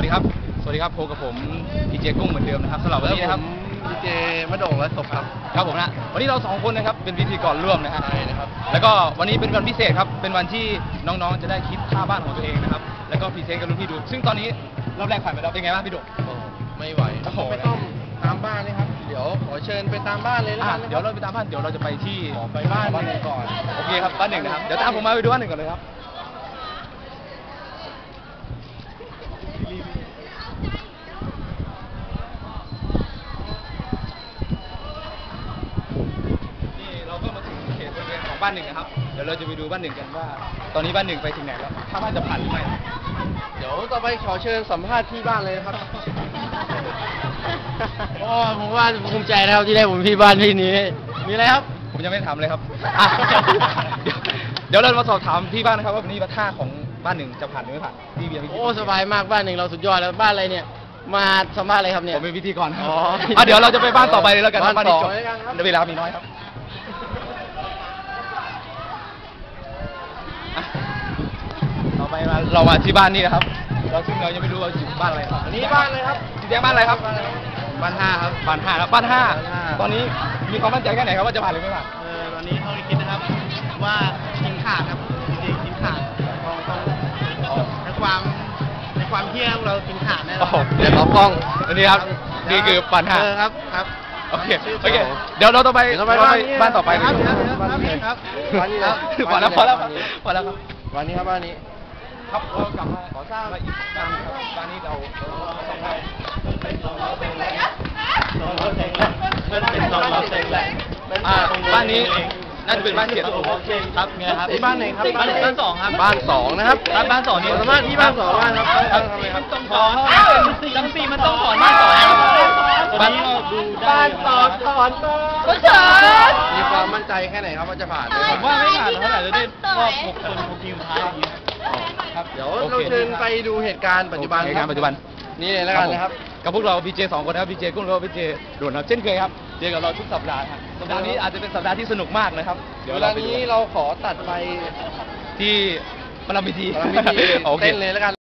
ครับสวัสดีครับพบกับผมดีเจกุ้งเหมือนเดิมนะครับสำหรับวันนี้นะครับดีเจมะโด่งและศพครับครับผมนะวันนี้เรา2คนนะครับเป็นพิธีกรร่วมนะฮะใช่นะครับแล้วก็วันนี้เป็นวันพิเศษครับเป็นวันที่น้องๆจะได้คิดค่าบ้านของตัวเองนะครับแล้วก็พรีเซนต์กับรุ่นพี่ดูซึ่งตอนนี้รอบแรกผ่านไปแล้วเป็นไงบ้างพี่ดุไม่ไหวไม่ต้องตามบ้านเลยครับเดี๋ยวขอเชิญไปตามบ้านเลยแล้วกันเดี๋ยวเราไปตามบ้านเดี๋ยวเราจะไปที่ไปบ้านหนึ่งก่อนโอเคครับบ้านหนึ่งนะครับเดี๋ยวตามผมมาไปดูบ้านหนึ่งก่อนเลยครับบ้านหนึ่งนะครับเดี๋ยวเราจะไปดูบ้านหนึ่งกันว่าตอนนี้บ้านหนึ่งไปถึงไหนแล้วถ้าบ้านจะผ่านหรือไม่เดี๋ยวต่อไปขอเชิญสัมภาษณ์ที่บ้านเลยนะครับผมว่าภูมิใจนะครับที่ได้ผมที่บ้านที่นี้มีอะไรครับผมยังไม่ทำเลยครับเดี๋ยวเรามาสอบถามพี่บ้านนะครับว่าวันนี้ท่าของบ้านหนึ่งจะผ่านหรือไม่ผ่านพี่เบียร์โอ้สบายมากบ้านหนึ่งเราสุดยอดแล้วบ้านอะไรเนี่ยมาสัมภาษณ์อะไรครับเนี่ยผมเป็นพิธีกรเดี๋ยวเราจะไปบ้านต่อไปเลยแล้วกันบ้านที่จบเวลามีน้อยครับต่อไปเรามาที่บ้านนี่นะครับซึ่งเรายังไม่รู้ว่าอยู่บ้านอะไรอันนี้บ้านเลยครับแจ้งบ้านอะไรครับบ้าน5ครับบ้าน5ครับบ้าน5ตอนนี้มีความมั่นใจแค่ไหนครับว่าจะผ่านหรือไม่ผ่านตอนนี้เขาคิดนะครับว่ากินขาดครับจริงกินขาดในความเที่ยงเรากินขาดแน่นอนเดี๋ยวล้อกล้องอันนี้ครับนี่คือบ้าน5 ครับโอเคเดี๋ยวเราต่อไปบ้านต่อไปครับบ้านนี้ครับพอแล้วครับวันนี้ครับบ้านนี้ครับเรากลับมาขอสร้างมาอีกบ้านครับบ้านนี้เราสองคนบ้านนี้น่าจะเป็นบ้านเจ็ดครับไงครับบ้านไหนครับบ้าน2ครับบ้าน2นะครับบ้าน2นี่สามารถที่บ้าน2บ้านครับมันต้องถอนจำปีมันต้องถอนบ้าน2 บ้าน 2ถอนก็เฉยมีความมั่นใจแค่ไหนครับว่าจะผ่านผมว่าไม่ผ่านเท่าไหร่จะได้รอบ6 คนของทีมท้ายครับเดี๋ยวเราเชิญไปดูเหตุการณ์ปัจจุบันนี่เลยแล้วกันนะครับกับพวกเราพีเจ2คนนะครับพีเจกุ้งแล้วก็พีเจโดนครับเช่นเคยครับเจอกับเราทุกสัปดาห์ครับสัปดาห์นี้อาจจะเป็นสัปดาห์ที่สนุกมากนะครับเดี๋ยววันนี้เราขอตัดไปที่ประลัมพิธีเต้นเลยแล้วกัน